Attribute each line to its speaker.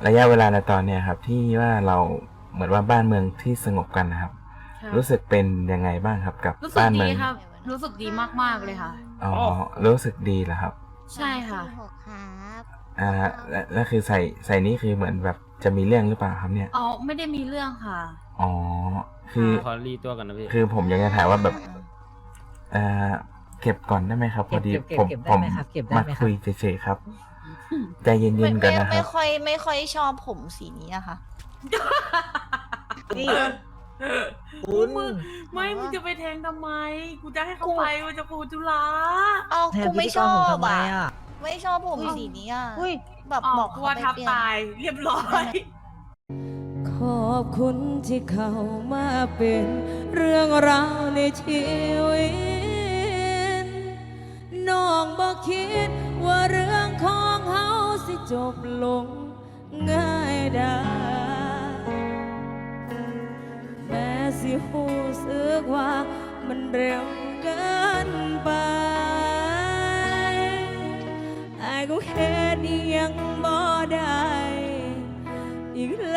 Speaker 1: ระยะเวลาในตอนเนี้ยครับที่ว่าเราเหมือนว่าบ้านเมืองที่สงบกันนะครับรู้สึกเป็นยังไงบ้างครับกับ
Speaker 2: รู้สึก
Speaker 1: บ้านเมื
Speaker 2: ดี
Speaker 1: อง
Speaker 2: ครับรู้สึกดีมากๆเลยค่ะ
Speaker 1: อ๋อรู้สึกดีเหรอครับ
Speaker 2: ใช่ค่ะ
Speaker 3: 6ครับ
Speaker 1: แล้วคือใส่นี้คือเหมือนแบบจะมีเรื่องหรือเปล่าครับเนี่ย
Speaker 2: อ๋อไม่ได้มีเรื่องค่ะ
Speaker 1: อ๋อคือ
Speaker 4: ขอรีตัวก่อนนะพี่
Speaker 1: คือผมอยากจะถามว่าแบบอ่าเก็บก่อนได้ไหมครับพอดีผม
Speaker 5: ได้ไหมครับเก็บได้
Speaker 1: มา
Speaker 5: ไหมค
Speaker 1: คุ
Speaker 5: รับ
Speaker 1: ยเฉยๆครับใจเย็
Speaker 3: ไม่
Speaker 1: นๆก่อ
Speaker 3: ไม่
Speaker 1: นนะค
Speaker 3: ไม่
Speaker 1: รับ
Speaker 3: ค่อยชอบผมสีนี้อะค่ะ
Speaker 5: นี่คุณ
Speaker 2: ไม่มึงจะไปแทงทำไมกูจะให้เขาไปมันจะปูจุฬา
Speaker 3: เอา
Speaker 5: แทน
Speaker 3: กู
Speaker 5: พิ
Speaker 3: ไม่
Speaker 5: ธี
Speaker 3: ช
Speaker 5: กร
Speaker 3: อ
Speaker 5: ผม
Speaker 3: บ
Speaker 5: ทำไม
Speaker 3: อะ
Speaker 5: อ่ะ
Speaker 3: ไม่ชอบผมสีนี้อะ
Speaker 5: อุ้ย
Speaker 3: แบบ
Speaker 2: อ๋อ
Speaker 3: บอก
Speaker 2: กลั
Speaker 3: เขา
Speaker 2: ว
Speaker 3: ไป
Speaker 2: ทับ
Speaker 3: เปลี่ยน
Speaker 2: ตายเรียบร้อย
Speaker 6: ขอบคุณที่เข้ามาเป็นเรื่องราวในชีวิตน้องบอกคิดว่าเรื่องของเฮาสิจบลงง่ายได้แม้สิหูสึกว่ามันเร็วเกินไปไอ้ก็แค่นี้ยังบ่ได้อีก